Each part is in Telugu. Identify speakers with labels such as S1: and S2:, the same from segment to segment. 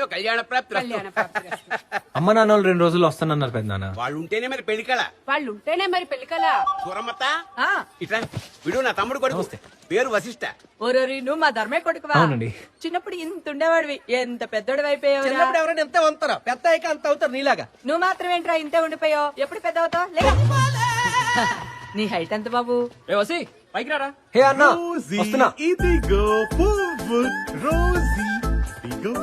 S1: శీఘ్రమేవ కళ్యాణ ప్రాప్తి.
S2: అమ్మ నాన్న వాళ్ళు 2 రోజులు వస్తానన్నారు పెద్దనాన్న.
S1: వాళ్ళు ఉంటేనే మరి పెళ్లికళ.
S3: వాళ్ళు ఉంటేనే మరి పెళ్లికల.
S1: సూరమ్మత ఇట్లా విడు, నా తమ్ముడు కొడుకు, పేరు వశిష్ట.
S3: ఓరోరి నువ్వు మా ధర్మే కొడుకువా?
S2: అవునండి.
S3: చిన్నప్పుడు ఇంత ఉండేవాడివి, ఎంత పెద్దోడు అయిపోయావు.
S4: చిన్నప్పుడు ఎవరైనా ఎంత వంతారా, పెద్ద అయ్యాక అంత అవుతారు నీలాగా.
S3: నువ్వు మాత్రం ఏంట్రా ఇంతే ఉండిపోయావు? ఎప్పుడు పెద్ద అవుతావు? లేదా నీ హైట్ ఎంత బాబు?
S4: పైకి రారా.
S2: హే అన్న వస్తున్నా.
S5: ఇదిగో పువ్వు రోజీ, ఇదిగో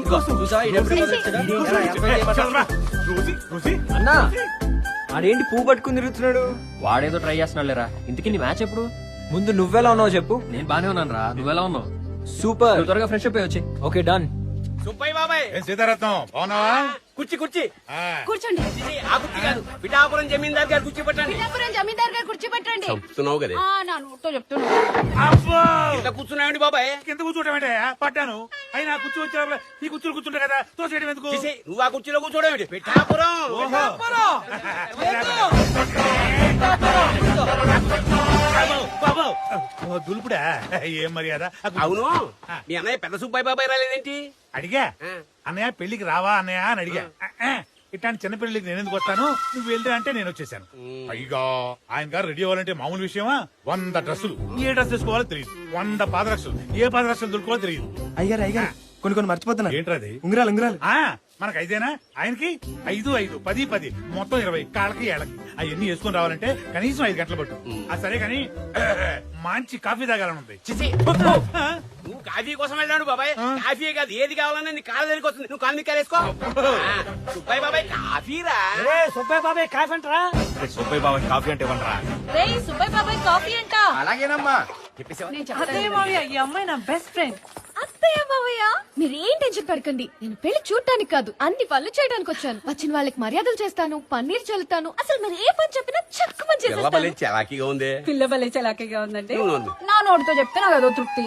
S2: అన్న ఆడేంటి పువ్వు పట్టుకుని తిరుగుతున్నాడు?
S4: వాడేదో ట్రై చేస్తున్నాడు లేరా. ఇంతకీ నీ మ్యాచ్ ఎప్పుడు?
S2: ముందు నువ్వెలా ఉన్నావు చెప్పు.
S4: నేను బానే ఉన్నాను రా, నువ్వెలా ఉన్నావు?
S2: సూపర్.
S4: నువ్వు త్వరగా ఫ్రెష్ అప్ వచ్చి.
S2: Okay done.
S1: సుబ్బయ్య బాబాయ్,
S5: సీతారత్నం బాగున్నావా?
S1: కుర్చీ కుర్చీ.
S3: కూర్చోండి.
S1: ఇది ఆ కుర్చీ కాదు, పిఠాపురం జమీందార్ గారు కుర్చీ పట్టండి.
S3: పిఠాపురం జమీందార్ గారు కూర్చోబెట్టండి.
S1: చెప్తున్నావు కదా,
S3: నా నోటితో చెప్తున్నా.
S5: అబ్బో
S1: ఇట్లా కూర్చున్నాయండి బాబాయ్.
S5: కింద కూర్చోటం అంటే పట్టాను. అయినా కుర్చీ వచ్చే ఈ కుర్చీలు కూర్చుంటా కదా, తోసేయడం ఎందుకు?
S1: చేసే, నువ్వు ఆ కుర్చీలో కూర్చోవడం ఏంటి? పిఠాపురం.
S5: బాబు దులుపుడా, ఏం మర్యాద.
S1: అవును, మీ అన్నయ్య పెద్ద సుబ్బయ్య బాబాయ్ రాలేదేంటి?
S5: అడిగా అన్నయ్య పెళ్లికి రావా అన్నయ్య అని అడిగా. ఇట్లాంటి చిన్న పెళ్లికి నేను ఎందుకు వస్తాను, నువ్వు వెళ్తే అంటే నేను వచ్చేసాను. పైగా ఆయన గారు రెడీ అవ్వాలంటే మామూలు విషయమా? 100 డ్రెస్సులు, ఏ డ్రెస్ తీసుకోవాలో తెలియదు. 100 పాదరక్షలు, ఏ పాదరక్షలు దొరుకోవాలో తెలియదు.
S6: అయ్యారు కొన్ని మర్చిపోతున్నా.
S5: ఏంట్రది?
S6: ఉంగరాలు
S5: మనకు 5 ఆయనకి 5, 5, 10, 10 మొత్తం 20 కాళ్ళకి ఏళ్ళకి అవన్నీ వేసుకుని రావాలంటే కనీసం 5 గంటలు పట్టు. సరే కానీ మంచి కాఫీ తాగాలని ఉంది.
S1: చిచి, నువ్వు కాఫీ కోసం వెళ్ళాడు బాబాయ్. కాఫీ కాదు, ఏది కావాలన్నా నీ కాళ్ళ దగ్గరికి వస్తుంది. నువ్వు కాలు మీద వేసుకో. సుబ్బయ్య బాబాయ్ కాఫీ రా.
S4: సుబ్బయ్య బాబాయ్ కాఫీ అంటారా?
S5: సుబ్బయ్య బాబాయ్ కాఫీ అంటే ఇవ్వండిరా.
S3: రేయ్ సుబ్బయ్య బాబాయ్ కాఫీ అంట.
S1: అలాగేనమ్మా, చెప్పేసావా?
S3: అత్తయ్య మావయ్య, ఈ అమ్మాయి నా బెస్ట్ ఫ్రెండ్.
S7: అత్తయ్య మావయ్య మీరేం టెన్షన్ పడకండి. నేను పెళ్లి చూడటానికి కాదు, అన్ని పనులు చేయడానికి వచ్చాను. వచ్చిన వాళ్ళకి మర్యాదలు చేస్తాను, పన్నీర్ చల్లుతాను. అసలు మీరు ఏ పని చెప్పినా చక్కమని చేసేస్తాను.
S1: చలాకీగా ఉంది.
S3: పిల్ల భలే చలాకీగా ఉందండి.
S1: అవును.
S3: నా నోటితో చెప్తే నాకు అదో తృప్తి.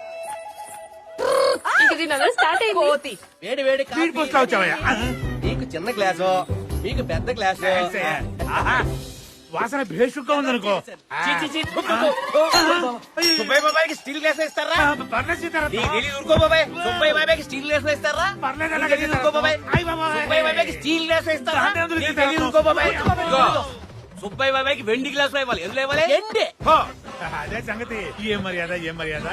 S7: స్టార్ట్
S3: కోతి.
S4: వేడి వేడి
S5: స్పీడ్ పోస్ట్ లో వచ్చావయ్యా.
S4: నీకు చిన్న గ్లాసు, మీకు పెద్ద గ్లాసు.
S5: ఆహా, వాసన భేషుగ్గా ఉందనుకో.
S1: సుబ్బయ్య బాబాయ్కి స్టీల్ గ్లాస్ ఇస్తారా?
S5: పర్లేదు సీతారాం.
S1: నీకు తెలీదు, ఊరుకో బాబాయ్. సుబ్బయ్య బాబాయ్కి స్టీల్ గ్లాస్ ఇస్తారా?
S5: పర్లేదు
S1: నీకు తెలీదు, ఊరుకో బాబాయ్. సుబ్బయ్య బాబాయ్కి స్టీల్ గ్లాస్ ఇస్తారా? నీకు తెలీదు, ఊరుకో బాబాయ్. ఇదిగో, సుబ్బయ్య బాబాయ్కి వెండి గ్లాస్ ఇవ్వాలి. ఎందులో ఇవ్వాలి?
S5: అదే సంగతి. ఏం మర్యాద.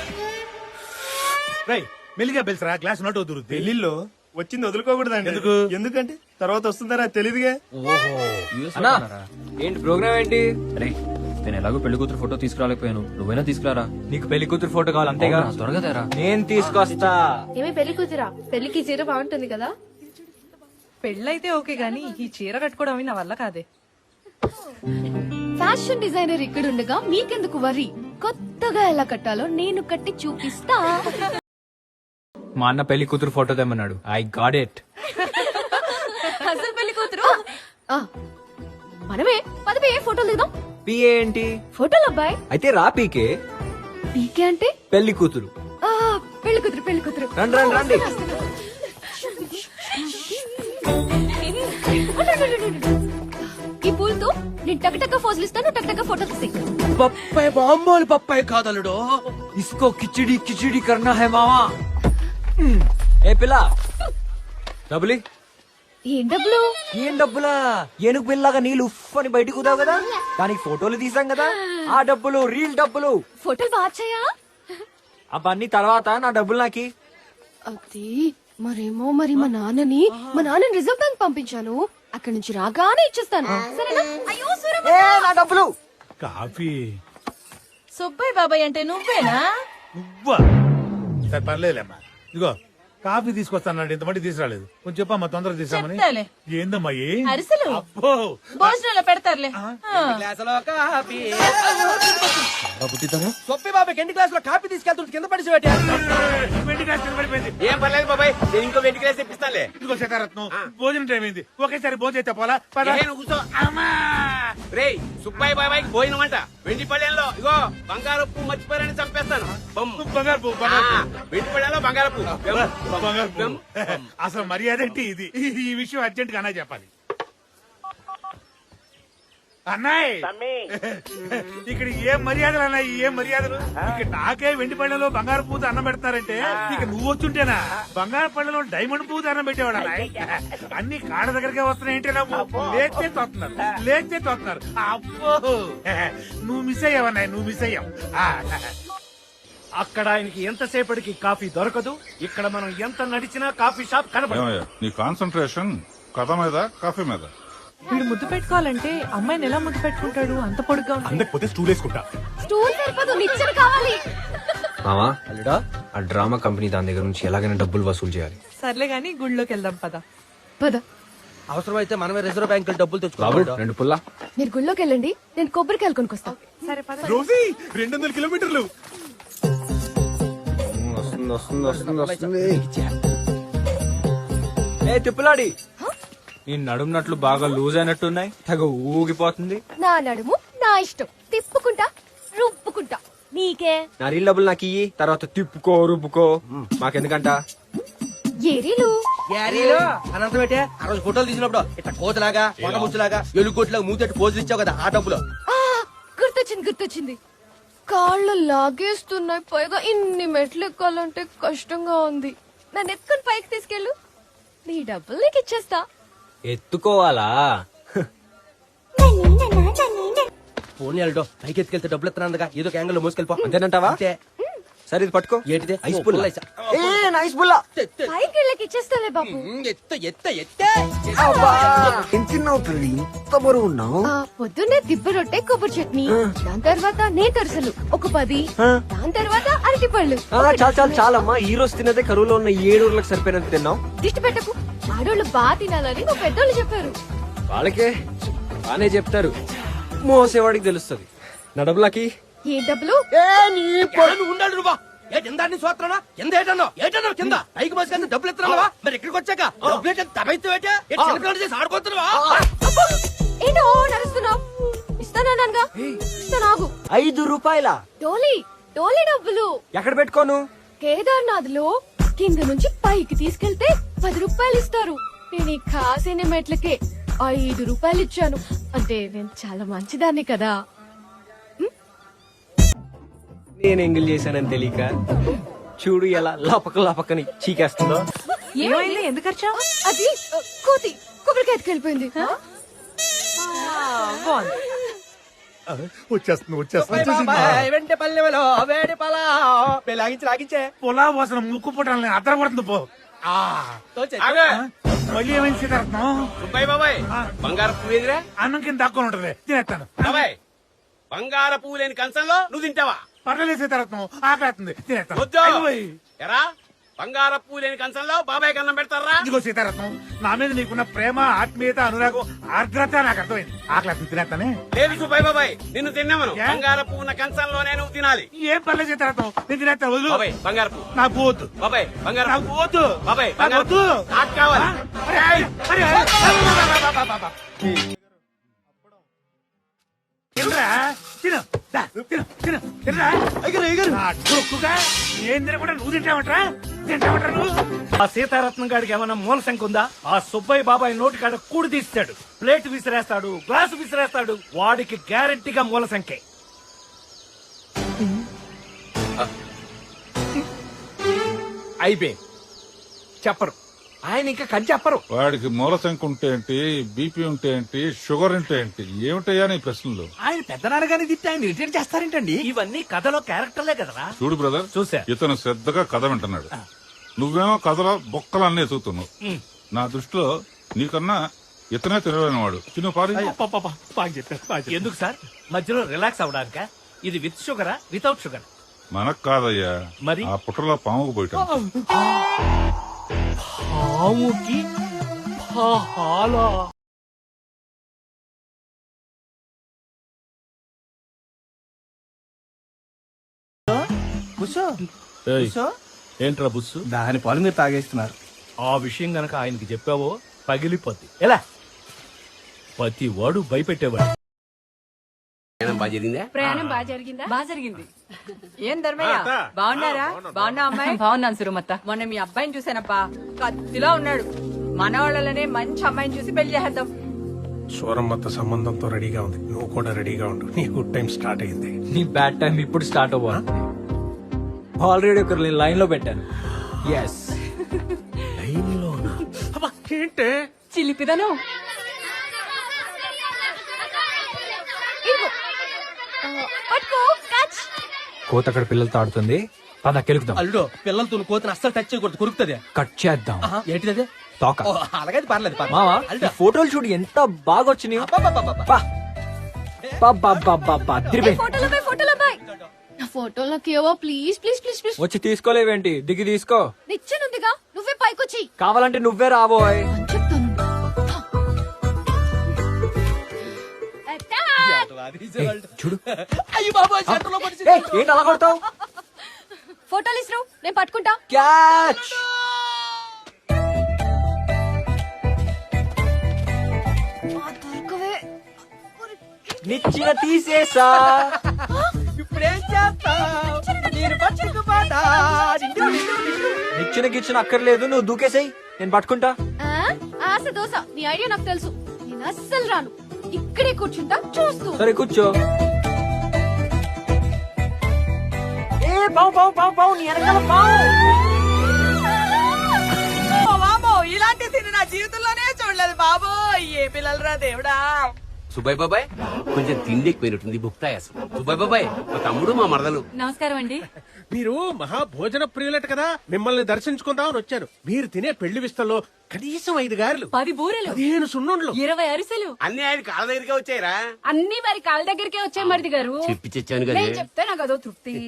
S5: రై మెల్లిగా పిలిచరా, గ్లాస్ నోట్ వదురుద్ది.
S6: పెళ్లిలో వచ్చింది వదులుకోకూడదండి.
S5: ఎందుకు?
S6: ఎందుకంటే తర్వాత వస్తుందరా తెలియదుగా.
S2: అన్నా ఏంటి ప్రోగ్రామ్ ఏంటి?
S4: రే నేను ఎలాగో పెళ్లి కూతురు ఫోటో తీసుకురాలేకపోయాను, నువ్వైనా తీసుకురారా.
S2: నీకు పెళ్లి కూతురు ఫోటో కావాలి అంతేగా?
S4: అవునా, త్వరగా తేరా.
S2: నేను తీసుకొస్తా.
S7: ఏమి పెళ్లి కూతురా? పెళ్లికి చీర బాగుంటుంది కదా.
S3: పెళ్ళైతే ఓకే గానీ ఈ చీర కట్టుకోవడం నా వల్ల కాదే.
S7: ఫ్యాషన్ డిజైనర్ ఇక్కడ ఉండగా మీకెందుకు వరి? కొత్తగా ఎలా కట్టాలో నేను కట్టి చూపిస్తా.
S2: మా అన్న పెళ్లి కూతురు ఫోటో తెమ్మన్నాడు. I got it.
S7: అసలు పెళ్లి కూతురు మనమే. పదవి ఏ ఫోటోలు దిగుదాం.
S2: పిఏ ఏంటి?
S7: ఫోటోలు అబ్బాయి.
S2: అయితే రా పీకే.
S7: పీకే అంటే
S2: పెళ్లి కూతురు.
S7: పెళ్లి కూతురు.
S2: రండి.
S7: ఈ పూలతో నేను టక్ ఫోజులు ఇస్తాను, టక్ ఫోటో తీసి.
S4: పప్పాయి బాంబోలు పప్పాయి కాదలుడు.
S2: ఇస్కో కిచిడి కర్నా హై మావా. ఏ పిల్ల డబ్బులి.
S7: ఏం డబ్బులు?
S2: ఏం డబ్బులా? ఏనుగు పిల్లగా నీళ్ళు ఉఫ్ అని బయటకు కుదావు కదా, దానికి ఫోటోలు తీసాం కదా, ఆ డబ్బులు రీల్ డబ్బులు.
S7: ఫోటోలు బాచాయా?
S2: అవన్నీ తర్వాత, నా డబ్బులు నాకి.
S7: అది మరేమో మా నాన్నని రిజర్వ్ బ్యాంక్ పంపించాను. అక్కడి నుంచి రాగానే ఇచ్చేస్తాను, సరేనా? అయ్యో సూరమ్మ.
S2: నా డబ్బులు.
S5: కాఫీ
S3: సుబ్బయ్య బాబాయ్ అంటే నువ్వేనా?
S5: నువ్వా? సరే పర్లేదులేమ్మా. ఇదిగో కాఫీ తీసుకొస్తాను, ఇంతమంది తీసుకురాలేదు. కొంచెం చెప్పమ్మా, తొందరగా తీసామని.
S3: చెప్తాలే.
S5: ఏందమ్మా
S3: అరిసెలు
S5: అబ్బో
S3: భోజనంలో పెడతారులే.
S4: గ్లాసులో కాఫీ. సొప్పి బాబాయ్ ఎన్ని గ్లాసులో కాఫీ తీసుకెళ్తుంటే కింద పడిసి పెట్టా.
S5: వెండి గ్లాస్ కింద పడిపోయింది.
S1: ఏం పర్లేదు బాబాయ్, నేను ఇంకో వెండి గ్లాస్ తెప్పిస్తానులే.
S5: ఇదిగో సీతారత్నం, భోజనం టైం అయింది. ఒకేసారి భోజనం అయితే పోలా. పద.
S1: ఏ, నువ్వు కూర్చో. రేయ్ సుబ్బయ్య బాబాయ్కి పోయిన వంట వెండి పళ్ళెంలో ఇగో బంగారపు మర్చిపోయారని చంపేస్తాను.
S5: బంగారు పువ్వు,
S1: వెండి పళ్ళెంలో బంగారపు.
S5: బంగారు పువ్వు. అసలు మర్యాద ఏంటి ఇది? ఈ విషయం అర్జెంట్ గా అన్నా చెప్పాలి. అన్నాయ్ ఇక్కడ ఏం మర్యాదలు అన్నాయి, ఏం మర్యాదలు? ఇక్కడ నాకే వెండి పళ్ళలో బంగారు పూత అన్నం పెడతారంటే ఇక నువ్వు వచ్చుంటేనా బంగారు పళ్ళలో డైమండ్ పూత అన్నం పెట్టేవాడు అన్నాయ్. అన్ని కాళ్ళ దగ్గరకే వస్తున్నాయంటే లేచే తోస్తున్నారు. అబ్బో నువ్వు మిస్ అయ్యావన్నాయ్, నువ్వు మిస్ అయ్యావు.
S8: అక్కడ ఆయనకి ఎంతసేపటికి కాఫీ దొరకదు, ఇక్కడ మనం ఎంత నడిచినా కాఫీ షాప్ కనబడదు.
S9: ఏమయ్యా నీ కాన్సన్ట్రేషన్ కథ మీద కాఫీ మీద?
S3: వీడు ముద్దు పెట్టుకోవాలంటే అమ్మాయిని ఎలా ముద్దు పెట్టుకుంటాడు? అంత పొడుగ్గా ఉంటుంది.
S6: అందకపోతే స్టూల్ వేసుకుంటా.
S7: స్టూల్ సరిపోదు, నిచ్చెన కావాలి.
S2: మామా అల్లుడా, ఆ డ్రామా కంపెనీ దాని దగ్గర నుంచి ఎలాగైనా డబ్బులు వసూలు చేయాలి.
S3: సర్లే గాని గుళ్ళోకి వెళ్దాం పద.
S7: పద.
S2: అవసరమైతే మనమే రిజర్వ్ బ్యాంక్ డబ్బులు తెచ్చుకోవాలి. 2 పుల్లా.
S7: మీరు గుళ్ళోకి వెళ్ళండి, నేను కొబ్బరికాయలు కొనుక్కొస్తా.
S3: సరే పద.
S6: రోజీ 200 కిలోమీటర్లు.
S2: వస్తుంది. ఏ తిప్పులాడి, నీ నడుమునట్లు బాగా లూజ్ అయినట్టున్నాయి, తెగ ఊగిపోతుంది.
S7: నా నడుము నా ఇష్టం, తిప్పుకుంటా రుప్పుకుంటా. నీకే?
S2: నా రీల్ డబ్బులు నాకు ఇయ్యి, తర్వాత తిప్పుకో రుబ్బుకో, మాకెందుకంట.
S7: ఏరీలు
S2: అనంతం పెట్టే ఆ రోజు ఫోటోలు తీసినప్పుడు ఇట్లా కోతలాగా కొండముచ్చులాగా ఎలుగొట్లాగా మూతెట్టు పోజులు ఇచ్చావు కదా, ఆ డబ్బులు.
S7: గుర్తొచ్చింది. కాళ్ళు లాగేస్తున్నాయి, పైగా ఇన్ని మెట్లు ఎక్కాలంటే కష్టంగా ఉంది. నన్ను ఎత్తుకుని పైకి తీసుకెళ్ళు, నీ డబ్బులు నీకు ఇచ్చేస్తా.
S2: ఎత్తుకోవాలా?
S1: ఫోన్ వెళ్ళడో పైకి ఎత్తుకెళ్తే డబ్బులు ఎత్తున్నాగా, ఏదో ఒక యాంగిల్ మోసుకెళ్ళిపో.
S2: అంతేనంటావా? సరే ఇది పట్టుకో.
S1: ఏంటిది?
S2: ఐస్ పుల్ల. ఏ నైస్ పుల్ల.
S7: పైకి వెళ్ళకి ఇచ్చేస్తాలే బాబు.
S2: ఇంత బరువు ఉన్నావు.
S7: పొద్దున్నే దిబ్బ రొట్టె కొబ్బరి చట్నీ, దాని తర్వాత నేతరసలు ఒక 10, దాని తర్వాత అరటి పళ్ళు.
S2: చాలమ్మా, ఈ రోజు తినదే కరువులో ఉన్న 7 ఊర్లకు సరిపోయినంత తిన్నావు.
S7: దిష్టి పెట్టకు, ఆడోళ్ళు బాగా తినాలని మా పెద్దోళ్ళు చెప్పారు.
S2: వాళ్ళకే బానే చెప్తారు, మోసేవాడికి తెలుస్తుంది. నా డబ్బులకి
S7: ఏ డబ్బులు?
S1: ఉండాలి నువ్వా? ఏంటి సోత్రనా? ఎంత ఏటన్నా కింద పైకి మోసుకెళ్తే డబ్బులు ఎత్తున్నావా? మరి ఇక్కడికి వచ్చాక డబ్బు ఆడుకోతున్నావా?
S7: ఏంటో నడుస్తున్నావు? ఇస్తానన్నానుగా, ఇస్తానాగు.
S2: 5 రూపాయల
S7: టోలీ డబ్బులు.
S2: ఎక్కడ పెట్టుకోను?
S7: కేదార్నాథ్ లో కింద నుంచి పైకి తీసుకెళ్తే 10 రూపాయలు ఇస్తారు. నేను ఈ కాసిన మెట్లకే 5 రూపాయలు ఇచ్చాను. అంటే నేను చాలా మంచిదాన్ని కదా.
S2: నేను ఎంగిల్ చేశానని తెలియక చూడు ఎలా లపకని చీకేస్తుందో.
S3: ఏమైంది? ఎందుకు వచ్చావు?
S7: అది కోతి కొబ్బరికాయ ఎత్తుకెళ్ళిపోయింది.
S5: వచ్చేస్తుంది. పొలా వాసన ముక్కు పుట్టాలని అద్దర పడుతుంది పో. మళ్ళీ ఏమైంది సీతారత్నం?
S1: సుబ్బయ్య బాబాయ్, బంగారు పువ్వు ఎదురా?
S5: అన్నం కింద దాక్కొని ఉంటది, తినేస్తాను.
S1: బాబాయ్, బంగారు పువ్వు లేని కంచంలో నువ్వు తింటావా?
S5: పర్లేదు సీతారత్నం, ఆకలేస్తుంది, తినేస్తాను.
S1: వద్దు. ఎరా, బంగారు పువ్వు లేని కంచంలో బాబాయ్ కన్నం పెడతారా?
S5: ఇదిగో సీతారత్నం, నా మీద నీకున్న ప్రేమ, ఆత్మీయత, అనురాగం, ఆర్ద్రత నాకు అర్థమైంది. ఆకలేస్తుంది, తినేస్తానే.
S1: లేదు సుబ్బయ్య బాబాయ్, నిన్ను తిన్నామను. బంగారు పువ్వు ఉన్న కంచంలోనే నువ్వు తినాలి.
S5: ఏం పర్లేదు సీతారత్నం, నేను తినేస్తాను. వదులు.
S1: బాబాయ్, బంగారు పువ్వు
S5: నాకు వద్దు.
S1: బాబాయ్, బంగారు
S5: నాకు వద్దు.
S1: బాబాయ్,
S5: నాకు
S1: బంగారు
S5: వద్దు.
S1: నాకు కావాలి.
S5: తినరా? తిను. దా, తిను, తిను, తినరా? నా డొక్కుగా ఏం తినకుండా నువ్వు తింటామంటరా? తింటామంటరా నువ్వు?
S8: ఆ సీతారత్నం గాడికి ఏమైనా మూల శంక ఉందా? ఆ సుబ్బయ్య బాబాయ్ నోటి కాడ కూడి తీస్తాడు, ప్లేట్ విసిరేస్తాడు, గ్లాసు విసిరేస్తాడు. వాడికి గ్యారెంటీగా మూల సంఖ్య.
S1: అయిపోయింది, చెప్పరు ఆయన, ఇంకా కని చెప్పరు.
S9: వాడికి మూలశంక ఉంటే ఏంటి, బీపీ ఉంటే ఏంటి, షుగర్ ఉంటే ఏంటి, ఏమిటయ్యా నీ ప్రశ్నలు?
S8: ఆయన పెద్దనాన్నగానే తిట్టి ఆయన రిటైన్ చేస్తారేంటండి? ఇవన్నీ కథలో క్యారెక్టర్లే కదరా.
S9: చూడు బ్రదర్,
S8: చూసా.
S9: ఇతను శ్రద్ధగా కథ వింటున్నాడు, నువ్వేమో కథలో బొక్కలన్నీ ఎదుగుతున్నావు. నా దృష్టిలో నీకన్నా ఇతనే తెలివైన వాడు. చిన్న పారి.
S8: బాగా చెప్పారు. ఎందుకు సార్ మధ్యలో రిలాక్స్ అవడానిక? ఇది విత్ షుగరా వితౌట్ షుగర్?
S9: మనకు కాదయ్యా,
S8: మరి
S9: ఆ పుట్టలో పాముకు పోయటం.
S8: పాముకి పాలా? ఏంట్రా బుస్సు?
S6: దాని పాలు మీరు తాగేస్తున్నారు.
S8: ఆ విషయం గనక ఆయనకి చెప్పావో పగిలిపోద్ది. ఎలా? ప్రతి వాడు భయపెట్టేవాడు.
S1: బాగా జరిగిందా?
S3: ప్రయాణం బాగా జరిగిందా? బాగా జరిగింది. ఏం ధర్మయ్య, బాగున్నారా? బాగున్నా అమ్మాయి? బాగున్నాను సురమత్త. మొన్న మీ అబ్బాయిని చూసానప్పా, కత్తిలో ఉన్నాడు. మన వాళ్ళనే మంచి అమ్మాయిని చూసి పెళ్లి చేద్దాం.
S8: సూరమ్మత సంబంధంతో రెడీగా ఉంది, నువ్వు కూడా రెడీగా ఉండు, నీ గుడ్ టైం స్టార్ట్ అయింది.
S2: నీ బ్యాడ్ టైం ఇప్పుడు స్టార్ట్ అవ్వాలి. ఆల్రెడీ ఒకరు లైన్ లో పెట్టాను. ఎస్.
S8: ఏంటే
S3: చిలిపిదను
S7: ఇదిగో. పట్టుకో క్యాచ్.
S2: కోత అక్కడ పిల్లలతో ఆడుతుంది. పద కెలుకుదాం.
S1: అల్లుడు పిల్లలతో కోతను అస్సలు టచ్ చేయకూడదు, కొరుకుతుంది.
S2: కట్ చేద్దాం.
S1: ఏంటిది
S2: తోక.
S1: అలాగే పర్లేదు
S2: మావా ఈ ఫోటోలు చూడు ఎంత బాగా వచ్చినాయి.
S7: ఫోటోలో బాయ్. నా ఫోటోలోకి ఏవో ప్లీజ్ ప్లీజ్ ప్లీజ్ ప్లీజ్.
S2: వచ్చి తీసుకోలేవేంటి? దిగి తీసుకో.
S7: నిచ్చెనుందిగా, నువ్వే పైకొచ్చి.
S2: కావాలంటే నువ్వే రాబోయ్.
S7: చెప్తాను.
S2: చూడు.
S1: అయ్యి బాబా
S2: ఏయ్, ఏంటి అలా కొడతావు?
S7: ఫోటోలు ఇస్త్రు, నేను పట్టుకుంటా.
S2: క్యాచ్.
S7: దొరకవే.
S2: నిచ్చిన తీసేసా.
S1: ఇప్పుడేం చేస్తావు? నేను పట్టుకుపోతా.
S2: నిచ్చిన గిచ్చిన అక్కర్లేదు, నువ్వు దూకేసేయ్, నేను పట్టుకుంటా.
S7: ఆ? ఆశ దోశ, నీ ఐడియా నాకు తెలుసు. నేను అస్సలు రాను, ఇక్కడే కూర్చుంటా చూస్తూ.
S2: సరే కూర్చో. ఏ పావు పావు పావు పావు, నీ వెనకాల పావు.
S3: ఇలాంటి తిని నా జీవితంలోనే చూడలేదు బాబు. ఏ పిల్లలరా దేవుడా.
S1: సుబ్బయ్య బాబాయ్ కొంచెం తిండి ఎక్కువైనట్టుంది, బుక్తాయాసం. సుబ్బయ్య బాబాయ్ మా తమ్ముడు మా మరదలు.
S3: నమస్కారం అండి.
S8: మీరు మహా భోజన ప్రియులట కదా, మిమ్మల్ని దర్శించుకుందామని వచ్చాను. మీరు తినే పెళ్లి విస్తల్లో కనీసం 5 గారెలు,
S3: 10 బూరెలు,
S8: 15 సున్నుండ్లు,
S3: 20 అరిసెలు
S1: అన్ని ఆయన కాళ్ళ దగ్గరికే వచ్చాయిరా.
S3: అన్ని వారి కాళ్ళ దగ్గరికే వచ్చాయి మరిది గారు.
S1: చెప్పి తెచ్చాను కదా.
S3: నేను చెప్తే నాకు అదో తృప్తి.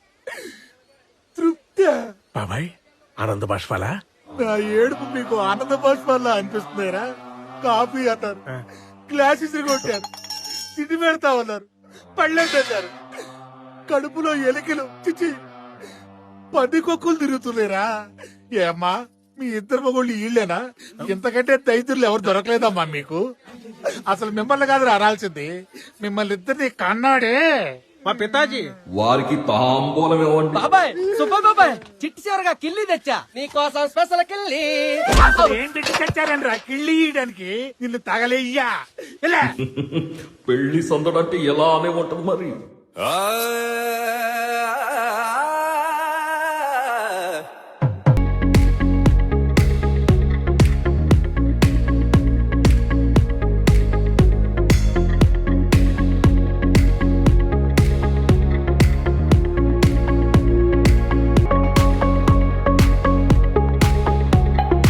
S8: బాబాయ్ ఆనంద బాష్పాలా?
S5: నా ఏడుపు మీకు ఆనంద బాష్పాల్లా అనిపిస్తున్నారా? కాఫీ అన్నారు, గ్లాసెస్ కొట్టారు, తిండి పెడతా ఉన్నారు, పళ్ళెంటారు, కడుపులో ఎలికలు చిచ్చి పందికొక్కులు తిరుగుతున్నారా? ఏమ్మా మీ ఇద్దరు మగోళ్ళు ఈళ్ళేనా? ఇంతకంటే దైతులు ఎవరు దొరకలేదమ్మా మీకు. అసలు మిమ్మల్ని కాదు రాల్సింది, మిమ్మల్ని ఇద్దరిని కన్నాడే
S8: మా పితాజీ.
S4: వారికి తాంబూలం ఇవ్వండి.
S1: బాబాయ్ సుబ్బయ్య బాబాయ్ చిట్టి చివరగా కిల్లి తెచ్చా నీకోసం స్పెషల్ కిల్లి.
S5: ఏం పెట్టి తెచ్చారండి కిళ్ళి ఇయడానికి? నిన్ను తగలేయ్యా. ఇలా
S4: పెళ్లి సందడంటే ఎలా అనే ఉంటుంది మరి.